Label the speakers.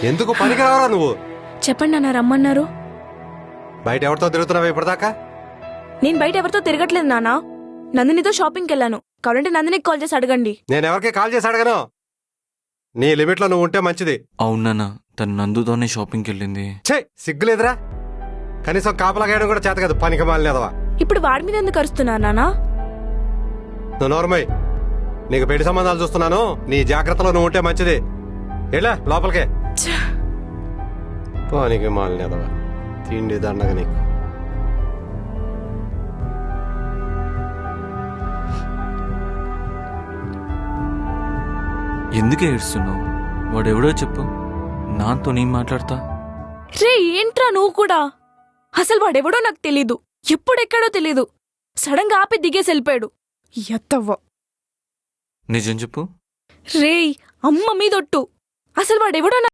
Speaker 1: ఎందుకు పనికి రావరా నువ్వు?
Speaker 2: చెప్పండి నాన్న, రమ్మన్నారు.
Speaker 1: బయట ఎవరితో తిరుగుతున్నావు ఇప్పటిదాకా?
Speaker 2: నేను బయట ఎవరితో తిరగట్లేదు నాన్న, నందినితో షాపింగ్కి వెళ్ళాను. కావాలంటే నందినికి కాల్ చేసి అడగండి.
Speaker 1: నేను ఎవరికి కాల్ చేసి అడగను. నీ లిమిట్ లో నువ్వు ఉంటే మంచిది.
Speaker 3: అవునా, తను నందుతోనే షాపింగ్కి వెళ్ళింది.
Speaker 1: ఛే, సిగ్గులేదురా? కనీసం కాపలాగేయడం కూడా చేత కదా, పనికి మాలినదవా.
Speaker 2: ఇప్పుడు వాడి మీద ఎందుకు అరుస్తున్నా నాన్న?
Speaker 1: నువ్వు నోర్మై, నీకు పెళ్లి సంబంధాలు చూస్తున్నాను. నీ జాగ్రత్తలో నువ్వు ఉంటే మంచిది. ఎలా లోపలికే. పనికి మాలినదవా, తిండి దండగ నీకు.
Speaker 3: ఎందుకే ఏడుస్తున్నావు? వాడెవడో చెప్పు, నాతో నేను మాట్లాడతా.
Speaker 2: రే ఏంట్రా నువ్వు కూడా? అసలు వాడెవడో నాకు తెలీదు, ఎప్పుడెక్కడో తెలీదు. సడన్ గా ఆపి దిగేసి వెళ్ళిపోయాడు. ఎత్తవ్వ.
Speaker 3: నిజం చెప్పు.
Speaker 2: రే అమ్మ మీదొట్టు, అసలు వాడెవడో